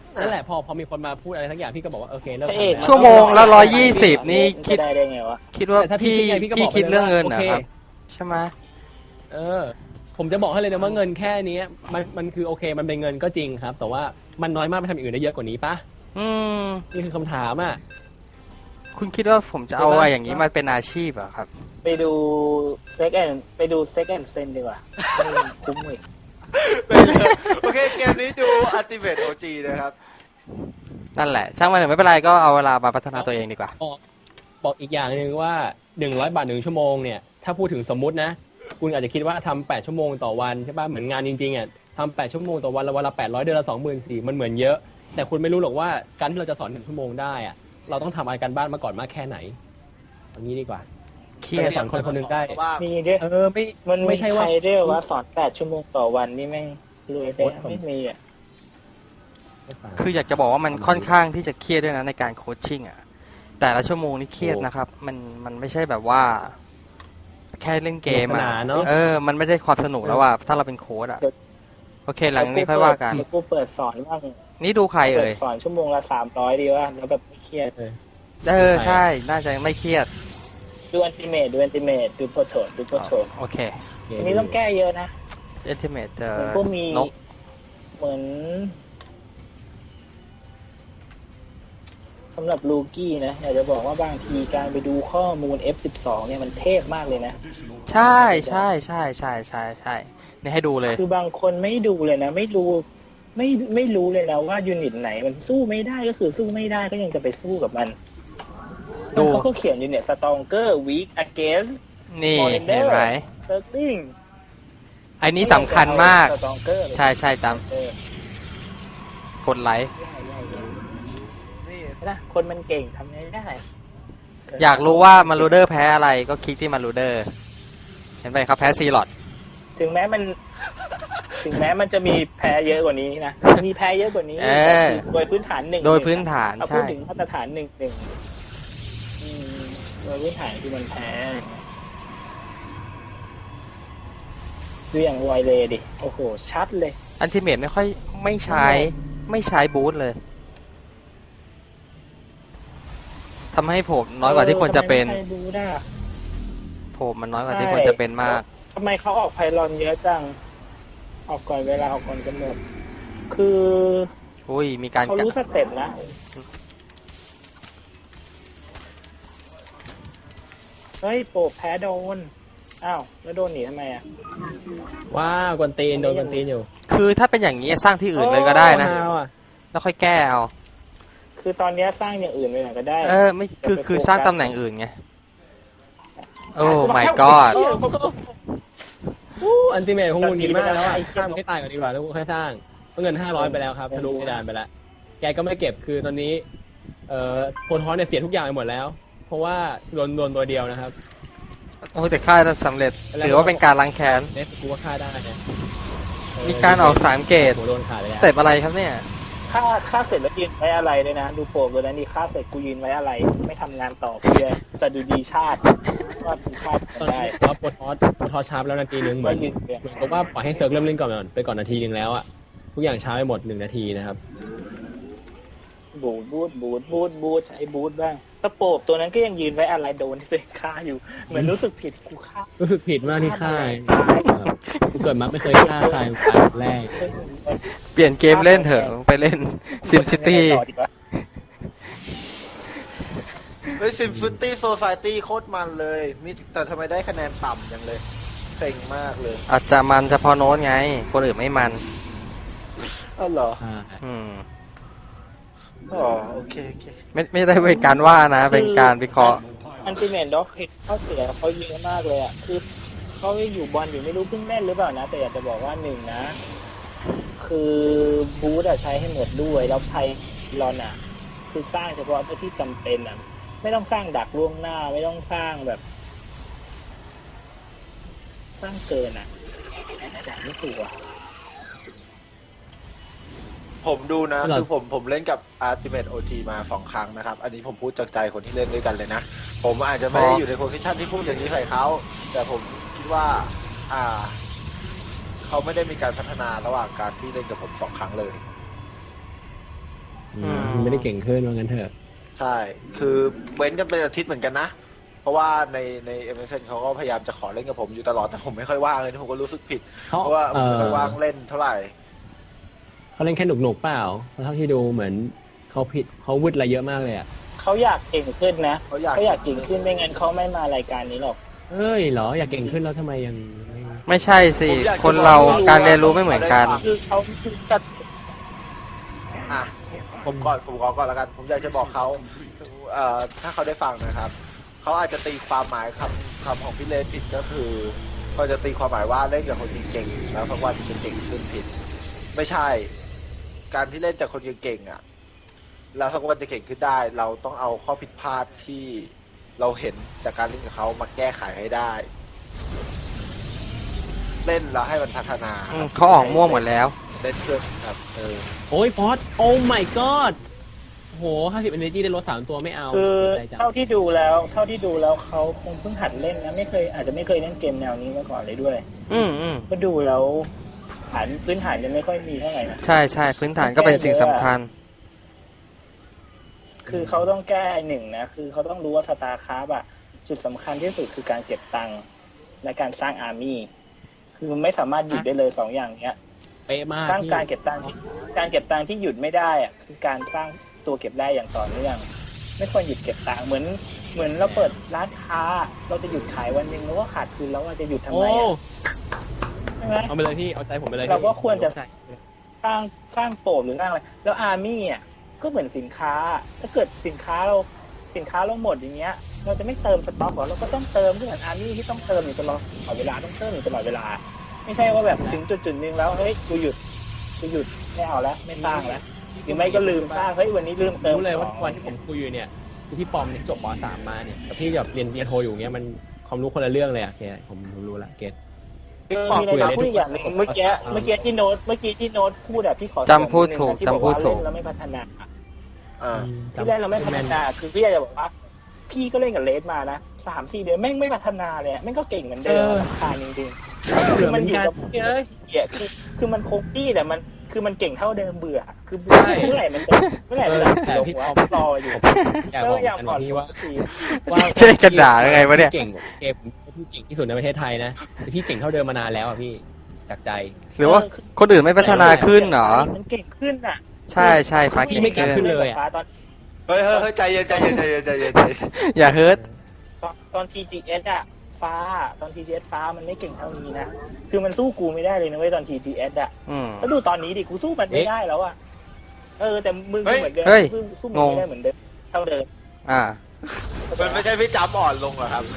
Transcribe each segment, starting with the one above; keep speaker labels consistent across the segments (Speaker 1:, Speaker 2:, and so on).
Speaker 1: นั่นแหละพอมีคนมาพูดอะไรทั้งอย่างพี่ก็บอกว่าโอเคเลิก
Speaker 2: พระเอก
Speaker 1: ทำแล้ว
Speaker 3: ชั่วโมงละ120นี่คิด
Speaker 2: ได้ได้ไงวะ
Speaker 3: คิดว่า
Speaker 1: แต่ถ้าพี่
Speaker 3: พี่
Speaker 1: คิดไงพี่ก็
Speaker 3: พี่
Speaker 1: บอกไป
Speaker 3: คิด
Speaker 1: เลย
Speaker 3: เรื่อง
Speaker 1: ว่า
Speaker 3: เงิน
Speaker 1: โอ
Speaker 3: นะ
Speaker 1: เค
Speaker 3: ครับใช่ไหม
Speaker 1: ผมจะบอกให้เลยนะว่าเงินแค่นี้มันคือโอเคมันเป็นเงินก็จริงครับ แต่ว่ามันน้อยมากไปทำอย่างอื่นได้เยอะกว่านี้ปะ
Speaker 3: อืม
Speaker 1: นี่คือคำถามอ่ะ
Speaker 3: คุณคิดว่าผมจะเอา
Speaker 1: ใช่ไหม
Speaker 3: อะไรอย่างนี้มาเป็นอาชีพเหรอครับ
Speaker 2: ไปดูเซ็กแอนไปดูเซ็กแอนเซนดีกว่าคุ้มเลย
Speaker 4: โอเคเกมนี้ดู Ultimate OG นะครับ
Speaker 3: นั่นแหละ ช่างมันเถอะไม่เป็นไรก็เอาเวลามาพัฒนาตัวเองดีกว่า
Speaker 1: บอกอีกอย่างหนึ่งว่า100 บาท1 ชั่วโมงเนี่ยถ้าพูดถึงสมมุตินะคุณอาจจะคิดว่าทำ8 ชั่วโมงต่อวันใช่ป่ะเหมือนงานจริงๆอ่ะทำ8 ชั่วโมงต่อวันละวันละ800เดือนละ24,000มันเหมือนเยอะ แต่คุณไม่รู้หรอกว่าการที่เราจะสอน1 ชั่วโมงได้อ่ะเราต้องทำอะไรกันบ้านมาก่อนมากแค่ไหนอย่างนี้ดีกว่า
Speaker 3: เครียด
Speaker 1: สอนคนคนหนึ่งได้
Speaker 2: มีด้วย
Speaker 1: ไม่
Speaker 2: มัน
Speaker 1: ไม่
Speaker 2: ไม่
Speaker 1: ใช่
Speaker 2: ใช่
Speaker 1: ว่า
Speaker 2: ว่าเรียกว่าสอน8 ชั่วโมงต่อวันนี่แม่งรวยได้ไม่มีอ่ะ
Speaker 3: คืออยากจะบอกว่ามันค่อนข้างที่จะเครียดด้วยนะในการโคชชิ่งอ่ะแต่ละชั่วโมงนี่เครียดนะครับ มันไม่ใช่แบบว่า แค่เล่นเกม
Speaker 1: สนุกส
Speaker 3: อ่ะ
Speaker 1: นานเนอะ
Speaker 3: มันไม่ได้ความสนุกแล้วว่าถ้าเราเป็นโค้ชอ่ะโอเคหลังนี้ค่อยว่ากัน
Speaker 2: เดี๋ยวกูเปิดสอนบ้าง
Speaker 3: นี่ดูใคร
Speaker 2: เปิ
Speaker 3: เอ่
Speaker 2: ด
Speaker 3: ย
Speaker 2: สอนชั่วโมงละ300ดีว่าแล้วแบบไม่เครียด
Speaker 3: ใช่น่าจะไม่เครียด
Speaker 2: ดูอันติเมตดูโปรโตดูโปรโต
Speaker 3: โอเค
Speaker 2: อันนี้ต้องแก้เยอะนะ
Speaker 3: Ultimate เจอ
Speaker 2: มันก็มี
Speaker 3: นก
Speaker 2: เหมือนสำหรับลูกี้นะอยากจะบอกว่าบางทีการไปดูข้อมูล F12 เนี่ยมันเทพมากเลยนะ
Speaker 3: ใช่นี่ให้ดูเลย
Speaker 2: คือบางคนไม่ดูเลยนะ ไม่รู้เลยนะว่ายูนิตไหนมันสู้ไม่ได้ก็คือสู้ไม่ได้ก็ยังจะไปสู้กับมัน
Speaker 3: ดู
Speaker 2: เขาก็เขียนอยู่เนี่ย stronger weak against
Speaker 3: นี่
Speaker 2: Monitor
Speaker 3: เห็นไหม
Speaker 2: circling
Speaker 3: อันนี้สำคัญมาก
Speaker 2: stronger เลย
Speaker 3: ใช่ตาม
Speaker 2: เออก
Speaker 3: ดไลค์
Speaker 4: นี่
Speaker 2: นะคนมันเก่งทำไงได้
Speaker 3: อยากรู้ว่ามารูเดอร์แพ้อะไรก็คลิกที่มารูเดอร์เห็นไหมครับแพ้ซีลอด
Speaker 2: ถึงแม้มันจะมีแพ้เยอะกว่านี้นะมีแพ้เยอะกว่านี้โดยพื้นฐานหนึ่ง
Speaker 3: โดยพื้นฐาน
Speaker 2: เอาพู
Speaker 3: ใช่
Speaker 2: ดถึงมาตรฐานหนึ่งโดยพื้นฐานคือมันแพ้ดูอย่างไวเลยดิโอ้โหชัดเลย
Speaker 3: อันติเมทไม่ใช้บูทเลยทำให้ผมน้อยกว่าที่ควรจะเป็น
Speaker 2: ทำไมไม่ใช่บูธอะ
Speaker 3: ผมมันน้อยกว่าที่ควรจะเป็นมาก
Speaker 2: ทำไมเขาออกไพลอนเยอะจังออกก่อนเวลาออกก่อนกำหนดคือ
Speaker 3: อุ้ยมีการ
Speaker 2: เขารู้สเต็ปนะเฮ้ยโปะแพ้โดนอ้าวแล้วโดนหนีทำไมอ่ะ
Speaker 1: ว้าวกวนตีนโดนกวนตีนอยู่
Speaker 3: คือถ้าเป็นอย่างนี้สร้างที่อื่นเลยก็ได้นะ
Speaker 1: โอ้ฮาวอ่ะ
Speaker 3: แล้วค่อยแก้เอา
Speaker 2: คือตอนนี้สร้างอย่างอื่นไปหน่อยก็ได้
Speaker 3: ไม่คือสร้างตำแหน่งอื่นไงโอ้ my god
Speaker 1: อันติเมทคงหงุดหงิดมากแล้วอะข้ามให้ตายก่อนดีกว่าแล้วกูค่อยสร้างเงิน500ไปแล้วครับทะลุเพดานไปแล้วแกก็ไม่เก็บคือตอนนี้โพลฮอสเนี่ยเสียทุกอย่างไปหมดแล้ว เพราะว่าโดนตัวเดียวนะครับ
Speaker 3: โอ้แต่ค่าสำเร็จถือว่าเป็นการล้างแค้น
Speaker 1: เนสกูว่าฆ่าได้นะ
Speaker 3: มีการออก3เกต
Speaker 1: โหโดนขาดเลย
Speaker 3: สเต็ปอะไรครับเนี่ย
Speaker 2: ค่าเสร็จแล้วยืนไว้อะไรเลยนะ ดูโปรเลยนะนี่ค่าเสร็จกูยืนไว้อะไร ไม่ทำงานต่อกูเลยสะดุดีชาติว่าเป็นชาติ
Speaker 1: ตอน
Speaker 2: ได้
Speaker 1: นี้ว่าโพลฮอสชาร์ปแล้วนาทีนึงเหมื
Speaker 2: ก็
Speaker 1: อน
Speaker 2: ยืนเนี่ย
Speaker 1: กับว่าปล่อยให้เซิร์ฟเริ่มเล่นก่อนนาทีนึงแล้วอะทุกอย่างช้าไปหมด1 นาทีนะครับ
Speaker 2: บูทใช้บูทบ้างตะโปบตัวนั้นก็ยังยืนไว้อะไรโดนที่เซ็ฆ่าอยู่ เหมือนรู้สึกผิดกูฆ่า
Speaker 1: รู้สึกผิดมากที่ฆ่ากูเกิดมาไม่เคยฆ่าใครตายแรก
Speaker 3: เปลี่ยนเกมเล่นเถอะไปเล่นซิมซิตี้
Speaker 2: ต่อดีกว่า
Speaker 4: เฮ้ย Symphony Society โคตรมันเลยแต่ทำไมได้คะแนนต่ำจังเลยเซ็งมากเลย
Speaker 3: อาจจะมันเฉพาะโน้ตไง คนอื่นไม่มัน
Speaker 4: อ้าวเหรอ
Speaker 3: อืม
Speaker 4: อ๋อโอเค
Speaker 3: ไม่ได้เป็นการว่านะ เป็นการวิเคราะห์
Speaker 2: อันติเมทด็อกเขาเสียเขาเยอะมากเลยอ่ะคือเขาอยู่บอลอยู่ไม่รู้เพิ่งเล่นหรือเปล่านะ แต่อยากจะบอกว่าหนึ่งนะ คือบูธอะใช้ให้หมดด้วยแล้วไพลอนอะคือสร้างเฉพาะที่จำเป็นอะไม่ต้องสร้างดักล่วงหน้าไม่ต้องสร้างแบบ สร้างเกินอะดักไม่ถูกอะ
Speaker 4: ผมดูนะ
Speaker 1: เหรอ
Speaker 4: คือผมเล่นกับ Ultimate OG มา2 ครั้งนะครับ อันนี้ผมพูดจากใจคนที่เล่นด้วยกันเลยนะ ผมอาจจะไม่ได้อยู่ในโพสิชันที่พูดอย่างนี้ใส่เขาแต่ผมคิดว่า เขาไม่ได้มีการพัฒนาระหว่างการที่เล่นกับผม2 ครั้งเลย
Speaker 1: มันไม่ได้เก่งขึ้นว่างั้นเถอะ
Speaker 4: ใช่ คือเว้นกันเป็นอาทิตย์เหมือนกันนะ เพราะว่าในMSN เขาก็พยายามจะขอเล่นกับผมอยู่ตลอด แต่ผมไม่ค่อยว่างเลยผมก็รู้สึกผิด เพราะว่าผมไม่ค่อยว่างเล่นเท่าไหร่
Speaker 1: เขาเล่นแค่หนุกๆเปล่าเพราะเท่าที่ดูเหมือนเขาวืดอะไรเยอะมากเลยอ่ะ
Speaker 2: เขาอยากเก่งขึ้นนะ
Speaker 4: เขาอยาก
Speaker 2: เขาอยากเก่งขึ้นไม่งั้นเขาไม่มารายการนี้หรอก
Speaker 1: เอ้ยเหรออยากเก่งขึ้นแล้วทำไมยังไม่
Speaker 3: ไม่ใช่สิ คนเราการเรียนรู้ไม่เหมือนกัน
Speaker 2: คือเขาคือสัตว์
Speaker 4: อ่ะผมขอก่อนแล้วกัน ผมอยากจะบอกเขาถ้าเขาได้ฟังนะครับ เขาอาจจะตีความหมายคำของพี่เลนผิดก็คือเขาจะตีความหมายว่าเล่นกับคนเก่งๆแล้วสักวันจะเก่งขึ้นผิด ไม่ใช่ การที่เล่นจากคนเก่งๆอ่ะแล้วสักวันจะเก่งขึ้นได้ เราต้องเอาข้อผิดพลาดที่เราเห็นจากการเล่นกับเขามาแก้ไขให้ได้ เล่นแล้วให้มันพัฒนา
Speaker 3: เขาออกม่วงหมดแล้ว
Speaker 4: เล่นเพื่อครับ
Speaker 1: โอ้ยฟอสโอ้ my god โห50 energy ได้ลด3ตัวไม่เอา
Speaker 2: คือ
Speaker 1: ใจจัง
Speaker 2: เท่าที่ดูแล้วเขาคงเพิ่งหัดเล่นนะอาจจะไม่เคยเล่นเกมแนวนี้มาก่อนเลยด้วย ก็ดูแล้วพื้นฐานยังไม่ค่อยมีเท่าไหร่นะ
Speaker 3: ใช่ใช่พื้นฐานก็เป็นสิ่งสำคัญ
Speaker 2: คือเขาต้องแก้หนึ่งนะคือเขาต้องรู้ว่าสตาร์คราฟอะจุดสำคัญที่สุดคือการเก็บตังค์และการสร้างอาร์มี่คือมันไม่สามารถหยุดได้เลย2 อย่างเนี้ย
Speaker 1: เป๊ะมาก
Speaker 2: สร้าง
Speaker 1: พี่
Speaker 2: การเก็บตังค์ที่หยุดไม่ได้อะคือการสร้างตัวเก็บได้อย่างต่อเนื่องไม่ควรหยุดเก็บตังค์เหมือนเราเปิดร้านค้าเราจะหยุดขายวันหนึ่งแล้วก็ขาดทุนแล้วเราจะหยุดทำ
Speaker 1: โอ้
Speaker 2: ไมอะใช่ไหม
Speaker 1: เอาไปเลยพี่เอาใจผมไปเลย
Speaker 2: เราก็ควรจะ
Speaker 1: ใส่
Speaker 2: สร้างโปรหรือสร้างอะไรแล้วอาร์มี่อ่ะก็เหมือนสินค้าถ้าเกิดสินค้าเราหมดอย่างเงี้ยเราจะไม่เติมสต็อกหรอเราก็ต้องเติมก็เหมือนอาร์มี่ที่ต้องเติมอยู่ตลอดเวลาต้องเติมอยู่ตลอดเวลาไม่ใช่ว่าแบบถึงจุดนึงแล้วเฮ้ยกูหยุดไม่เอาแล้วไม่สร้างแล้วหรือไม่ก็ลืมสร้างเฮ้ยวันนี้ลืมเติม
Speaker 1: รู้เลยว่า
Speaker 2: ของ
Speaker 1: วันที่ผมคุยอยู่เนี่ยคือพี่ปอมเนี่ยจบป .3 มาเนี่ยกับพี่แบบเรียนโทอยู่เงี้ยมันความรู้คนละเรื่องเลยอะเคผมรู้ละเกต
Speaker 2: มีอะไรจะพูดอีกอย่างหนึงเมื่อกี้ที่โน้ตพูดอะพี่ขอ
Speaker 3: จำพูดถูก
Speaker 2: ที่บอกว่า
Speaker 3: จำพูดถูก
Speaker 2: เล่นแล้วไม่พัฒนา
Speaker 4: อ่า
Speaker 2: ที่แรกเราไม่พัฒนาคือพี่อยากจะบอกว่าพี่ก็เล่นกับเลสมานะ3-4 เดือนแม่งไม่พัฒนาเลยแม่งก็เก่งเหมือนเดิมรำคาญจริงๆคือมันอยู่กับเยอะเหี้ยคือมันคงที่แต่มันคือมันเก่งเท่าเดิมเบื่อคือเมื่อไหร่มันจะลงหัวรออยู่
Speaker 1: อยาก
Speaker 2: ก็
Speaker 1: บอก
Speaker 2: อยาก
Speaker 1: กัน
Speaker 2: ผ่อน
Speaker 1: พี่ว่า
Speaker 3: เจ๊กระดาษยังไงวะเนี่ย
Speaker 1: เก่งเกมพี่เก่งที่สุดในประเทศไทยนะแต่พี่เก่งเท่าเดิมมานานแล้วอ่ะพี่จากใจ
Speaker 3: หรือว่าคนอื่นไม่พัฒนาขึ้นเหรอ
Speaker 2: มันเก่งขึ้นอ่ะ
Speaker 3: ใช่ใช่ฟ้า
Speaker 1: พี่
Speaker 3: เก่ง
Speaker 1: ไม่เก่งขึ้
Speaker 3: ขึ้น
Speaker 1: นเลยอะ
Speaker 4: เฮ้ยใจเย็น
Speaker 3: อย่าเฮิร์ต
Speaker 2: ตอน TGS อ่ะตอน TGS ฟ้ามันไม่เก่งเท่านี้นะคือมันสู้กูไม่ได้เลยนะเว้ยตอน TGS อ่ะ แล้วดูตอนนี้ดิกูสู้มันไม่ได้แล้วอ่ะแต่มึงเหมือนเดิมสู้มันไม่ได้เหมือนเดิมเท่าเดิม
Speaker 4: มันไม่ใช่พี่จำอ่อนลงเหรอครับ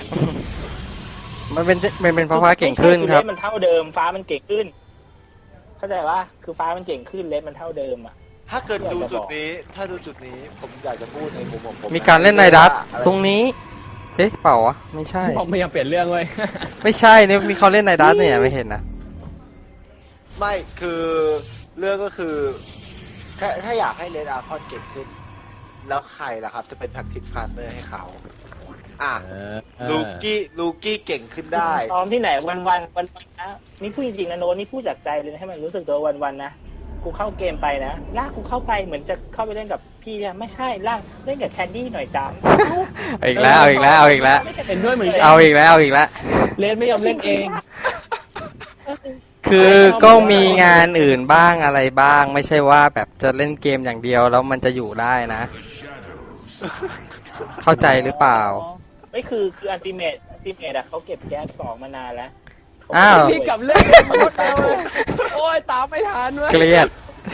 Speaker 3: มันเป็นเพราะฟ้าเก่งขึ้นครับ
Speaker 2: เลสมันเท่าเดิมฟ้ามันเก่งขึ้น เข้าใจว่าคือฟ้ามันเก่งขึ้นเลสมันเท่าเดิมอ่ะ
Speaker 4: ถ้าเกิดดูจุดนี้ผมอยากจะพูดในมุมของผม
Speaker 3: มีการเล่นในดัตตรงนี้เอ๊ะเปล่าวะไม่ใช่
Speaker 1: พี่ปอมพยายามเปลี่ยนเรื่องเลย
Speaker 3: ไม่ใช่เนี่ยมีเขาเล่นในดัตเนี่ยไม่เห็นนะ
Speaker 4: ไม่คือเรื่องก็คือถ้าอยากให้เลนอาร์คอนเก่งขึ้น แล้วใครล่ะครับจะเป็นแพ็กทิกพาร์ทเนอร์ให้เขาลูกี้เก่งขึ้นได้
Speaker 2: ซ้อมที่ไหนวันนะนี่พูดจริงๆนะโน้ตนี่พูดจากใจเลยนะให้มันรู้สึกตัววันนะกูเข้าเกมไปนะลากกูเข้าไปเหมือนจะเข้าไปเล่นกับพี่เนี่ยไม่ใช่ลากเล่นกับแคนดี้หน่อยจ้า
Speaker 3: เอาอีกแล้ว
Speaker 1: เห็นด้วยเหมือนกัน
Speaker 3: เอาอีกแล้ว
Speaker 1: เลนไม่ยอมเล่นเอง
Speaker 3: คือก็มีงานอื่นบ้างอะไรบ้าง ไม่ใช่ว่าแบบจะเล่นเกมอย่างเดียวแล้วมันจะอยู่ได้นะ เข้าใจหรือเปล่า
Speaker 2: ไม่คืออันติเมตอะเขาเก็บแก๊ส2มานานแล้ว
Speaker 3: อ้าว
Speaker 1: พี่กลับเล่นมันก็เร็วเลยโอ้ยตามไม่ทันเว้ย
Speaker 3: เกลียด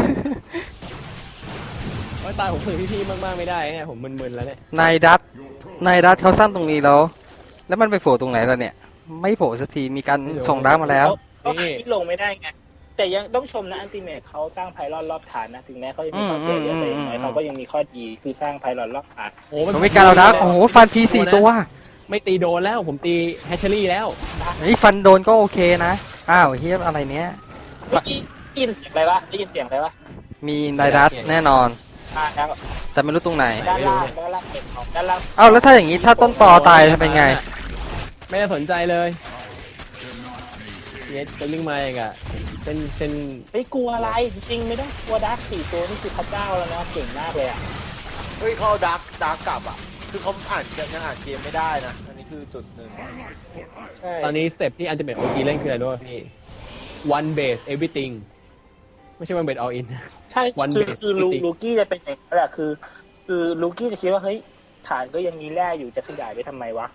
Speaker 1: โอ้ยตายผมฝึกพี่ๆมากๆไม่ได้เนี่ยผมมึนๆแล้วเนี่ย
Speaker 3: นายดัตเขาสร้างตรงนี้แล้วมันไปโผล่ตรงไหนแล้วเนี่ย ไม่โผล่สักทีมีการส่งดักมาแล้ว
Speaker 2: เขาหาที่ลงไม่ได้ไงแต่ยังต้องชมนะอันติเมตเขาสร้างไพลอนรอบฐานนะถึงแม้เขาจะมีข้อเสียเยอะแต่อย่างน้อยเขาก็ยังมีข้อดีคือสร้างไพลอนรอบฐาน
Speaker 1: โอ้
Speaker 3: มันมีการเอาดักโอ้โหฟันที4 ตัว
Speaker 1: ไม่ตีโดนแล้วผมตีแฮชเชอรี่แล้ว
Speaker 3: ไอ้ฟันโดนก็โอเคนะอ้าวเฮียอะไรเนี้ย
Speaker 2: เมื่อกี้ได้ยินเสียงอะไรวะได้ยินเสียงอะไรวะ
Speaker 3: มีนายดัตแน่นอน
Speaker 2: ด้าน
Speaker 3: แต่ไม่รู้ตรงไหน
Speaker 2: ล่างเก็บของด้านล่าง
Speaker 3: เอ้าแล้วถ้าอย่างนี้ถ้าต้นตอตายจะเป็นไง
Speaker 1: ไม่ได้สนใจเลยเนี่ยจะลิงมาอีกอะเป็น
Speaker 2: ไม่กลัวอะไรจริงๆไม่ต้องกลัวดัก4 ตัวนี่คือพระเจ้าแล้วนะเก่งมากเลยอ่ะ
Speaker 4: เฮ้ยเขาเอาดาร์กกลับอ่ะคือเขายังอ่านเกมไม่ได้นะอันนี้คือจุดหนึ่ง
Speaker 2: ใช่
Speaker 1: ตอนนี้สเต็ปที่อันติเมทโอจีเล่นคืออะไรด้วยพี่ one base everything ไม่ใช่ one base all in
Speaker 2: ใช่
Speaker 1: One
Speaker 2: คือ
Speaker 1: base
Speaker 2: คือ
Speaker 1: everything
Speaker 2: ลูกี้จะเป็นอย่างนั้นแหละคือลูกี้จะคิดว่าเฮ้ยฐานก็ยังมีแร่อยู่จะขยายไปทำไมวะ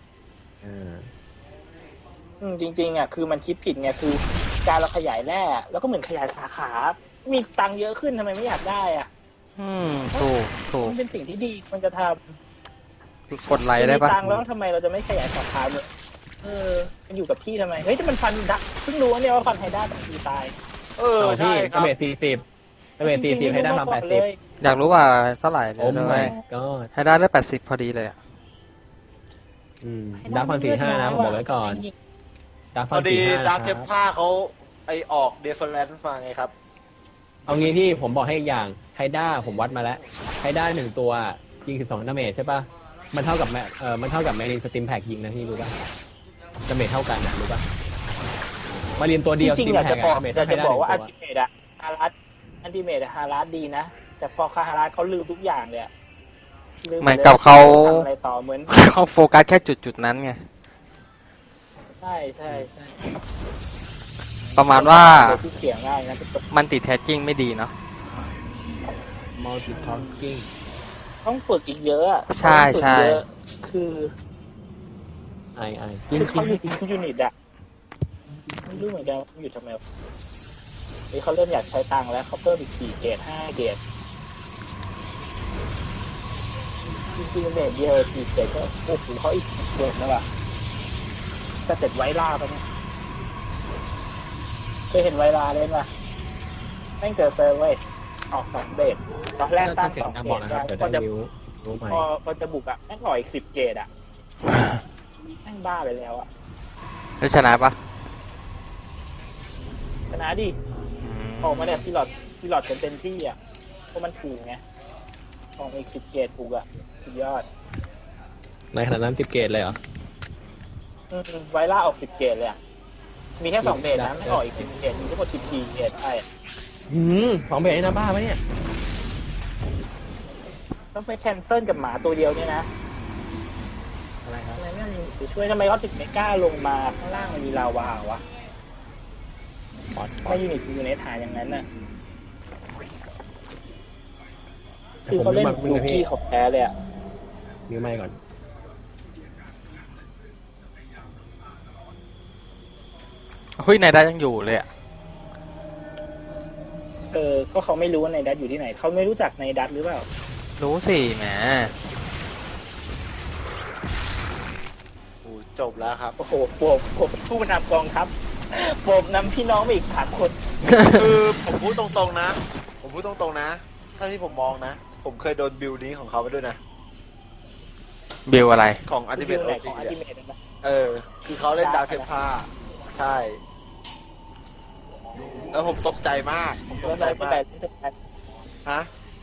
Speaker 2: จริงๆอ่ะคือมันคิดผิดไงคือการเราขยายแร่แล้วก็เหมือนขยายสาขา มีตังค์เยอะขึ้นทำไมไม่อยากได้อ่ะ
Speaker 3: ถูก
Speaker 2: มันเป็นสิ่งที่ดีมันจะท
Speaker 3: กดไล
Speaker 2: ำ
Speaker 3: ค์ได้
Speaker 2: มี
Speaker 3: ปะ
Speaker 2: ตังค์แล้วทำไมเราจะไม่ขยายสาขาเนี่ยมันอยู่กับที่ทำไมเฮ้ยแต่มันฟันดักเพิ่งรู้เนี่ยว่าฟันไฮด้าบางทีตาย
Speaker 4: ใช่
Speaker 1: พี่
Speaker 4: ครับ
Speaker 1: ดาเมจ40ดาเมจ40ให้ได้ทำ80
Speaker 3: อยากรู้ว่าเท่าไหร่
Speaker 1: โอ้
Speaker 3: เล
Speaker 1: my
Speaker 3: ย
Speaker 1: god
Speaker 3: ให้ได้เลือด80 พอดีเลยอะ
Speaker 1: ดักฟัน45นะผมบอกไว้ก่อนดัก
Speaker 4: พ
Speaker 1: ฟั
Speaker 4: อน ดี
Speaker 1: 45
Speaker 4: ดาร์กเทมผ้าเขาไอออกเดฟเฟอร์แลนซ์มาไงครับ
Speaker 1: เอางี้พี่ผมบอกให้อีกอย่างไฮด้าผมวัดมาแล้วไฮด้า1 ตัวยิง12ดาเมจใช่ป่ะมันเท่ากับมันเท่ากับแมรินสติมแพ็กยิงนะพี่รู้ป่ะดาเมจเท่ากันนะรู้ป่ะมารินตัวเดียว
Speaker 2: จริง
Speaker 1: สติม
Speaker 2: ๆอยาก
Speaker 1: แพ็
Speaker 2: จะ
Speaker 1: ก
Speaker 2: บอก
Speaker 1: ดาเมจ
Speaker 2: อยาก
Speaker 1: เท่าไฮ
Speaker 2: จะ
Speaker 1: ด้า
Speaker 2: บอกว่า
Speaker 1: 1
Speaker 2: อั
Speaker 1: ตั
Speaker 2: น
Speaker 1: ว
Speaker 2: ติเมตอะฮารัสอันติเมตฮารัสดีนะ แต่พอฮารัสเขาลืมทุกอย่างเลยอะลื
Speaker 3: เหมือนกับเขา
Speaker 2: ทำอะไรต่อเหมือน
Speaker 3: เขาโฟกัสแค่จุดนั้นไง
Speaker 2: ใช่ใช่
Speaker 3: ประมาณว่า
Speaker 2: ที่เสียงง่ายนะ
Speaker 3: มันติดแทสกิ้งไม่ดีเนาะ
Speaker 1: มัลติทอ l กิ้ง
Speaker 2: ต้องฝึกอีกเยอะอะ
Speaker 3: ใช่ใช่
Speaker 2: ต้องฝึกเยอะคือ
Speaker 1: กิน
Speaker 2: คือ
Speaker 1: กิ
Speaker 2: เขา
Speaker 1: น
Speaker 2: อยู่ที่ยูนิตอะไม่รู้เหมือนกันว่าอยู่ทำไมนี่เขาเริ่มอยากใช้ตังค์แล้วเขาเพิ่มอีก4 เกรด5 เกรดจริงๆเด็ดเดียว4 เกรดก็โอ้โหเขาอีกเกรดนะว่ะแต่เสร็จไวล่าปะเนี่ยเคยเห็นไวล่าเล่นป่ะแม่งเจอเซอร์เว้ยออก2 เกรดตอนแรกสร้าง
Speaker 1: เสียง
Speaker 2: 2
Speaker 1: ดัง
Speaker 2: เก
Speaker 1: บอก
Speaker 2: รด
Speaker 1: นะครับเดี๋ยว
Speaker 2: พอ
Speaker 1: ได้
Speaker 2: จะ
Speaker 1: รู้ใหม่
Speaker 2: พอจะบุกอะแม่งออกอีก10 เกรดอะแม่งบ้าไปแล้วอะ
Speaker 3: แล้วชนะปะ
Speaker 2: ชนะดิ ออกมาเนี่ยซีลอดกันเต็มที่อ่ะเพราะมันถูกไงออกมาอีก10 เกรดถูกอ่ะสุดยอด
Speaker 1: ในขณะนั้น10 เกตเลยเหรอ
Speaker 2: ไวล่าออก10 เกรดเลยอ่ะมีแค่2 เกรดนะไม่ออกอีก10 เกรดมีทั้งหมด14 เกรดใช่
Speaker 1: 2 เบสนี่นะบ้าไหมเนี่ย
Speaker 2: ต้องไปแคนเซิลกับหมาตัวเดียวเนี่ยนะ
Speaker 1: อะไรครับ
Speaker 2: ทำไมไม่มีช่วยทำไมเขาถึงไม่กล้าลงมาข้างล่างมันมีลาวาวะไม่ยูนิตอยู่ในฐานอย่างนั้นน่ะคือเขาเล่นลูกี้เขาแพ้เลยอ่ะ
Speaker 1: นิ้วไม้ก่อน
Speaker 3: เฮ้ยนายได้ยังอยู่เลยอะ
Speaker 2: ก็เขาไม่รู้ว่าในดัตอยู่ที่ไหนเขาไม่รู้จักในดัตหรือเปล่า
Speaker 3: รู้สิแหม
Speaker 4: โอ้จบแล้วครับ
Speaker 2: โอ้โหผมผู้นำกองทัพผมนำพี่น้องไปอีก3 คน
Speaker 4: คือผมพูดตรงๆนะ ถ้าที่ผมมองนะ ผมเคยโดนบิลนี้ของเขาไปด้วยนะ
Speaker 3: บิลอะไร
Speaker 4: ของอันติเมต
Speaker 2: ไห
Speaker 4: โอน
Speaker 2: ข
Speaker 4: ซี
Speaker 2: องอัลติเมทนะ
Speaker 4: คือเขาเล่นดาวเทมผ้าใช่ แล้วผมตกใจมาก ผมต
Speaker 2: แล้ว
Speaker 4: กใจ
Speaker 2: นายเป็น
Speaker 4: มา
Speaker 2: แบ
Speaker 4: ก
Speaker 2: บ
Speaker 4: ฮะ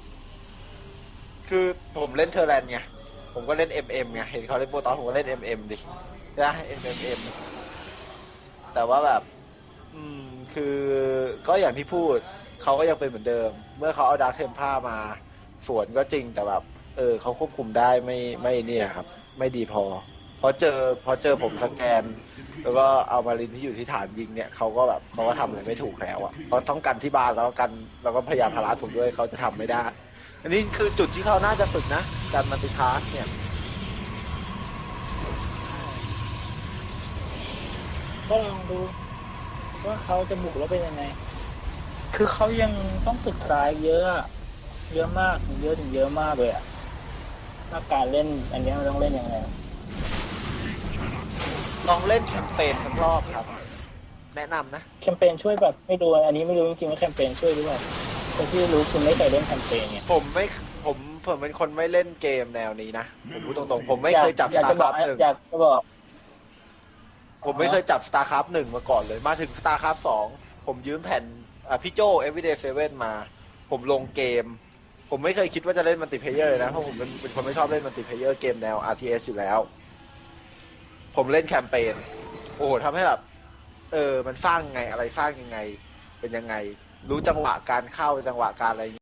Speaker 4: คือผมเล่นเทอร์แลนด์ไง ผมก็เล่น MM ไง เห็นเขาเล่นโปรตอนผมก็เล่น MM ดินะ MM แต่ว่าแบบ คือก็อย่างที่พูด เขาก็ยังเป็นเหมือนเดิม เมื่อเขาเอาดาร์คเทมผ้ามาสวนก็จริง แต่แบบ เขาควบคุมได้ไม่เนี่ยครับ ไม่ดีพอ พอเจอผมสแกน แล้วก็เอามารินที่อยู่ที่ฐานยิงเนี่ยเขาก็ทำอะไรไม่ถูกแล้วอ่ะเขาต้องกันที่บ้านแล้วก็พยายามพาราผมด้วยเขาจะทำไม่ได้ อันนี้คือจุดที่เขาน่าจะฝึกนะการมัลติทาสก์เนี่ย
Speaker 2: ก็ลองดูว่าเขาจะบุกแล้วเป็นยังไง คือเขายังต้องศึกษาเยอะอะเยอะมากเยอะถึงเยอะมากเลยอะว่าการเล่นอันนี้มันต้องเล่นยังไง
Speaker 4: ลองเล่นแคมเปญสักรอบครับ แนะนำนะ
Speaker 2: แคมเปญช่วยแบบไม่รู้อันนี้ไม่รู้จริงๆว่าแคมเปญช่วยหรือเปล่าแต่ที่รู้คือไม่เคยเล่นแคมเปญเนี่ย
Speaker 4: ผมเป็นคนไม่เล่นเกมแนวนี้นะ ผมพูดตรงๆ ผมไม่เคยจับ
Speaker 2: อยากจะบอก
Speaker 4: StarCraft 1
Speaker 2: อยากจะบอก
Speaker 4: ผมไม่เคยจับ StarCraft 1 มาก่อนเลย มาถึง StarCraft 2 ผมยืมแผ่นพี่โจ Everyday 7 มา ผมลงเกม ผมไม่เคยคิดว่าจะเล่นมัลติเพลเยอร์เลยนะ เพราะผมเป็นคนไม่ชอบเล่นมัลติเพลเยอร์เกมแนว RTS อยู่แล้ว ผมเล่นแคมเปญ โอ้โหทำให้แบบมันสร้างไงอะไรสร้างยังไง เป็นยังไง รู้จังหวะการเข้าจังหวะการอะไร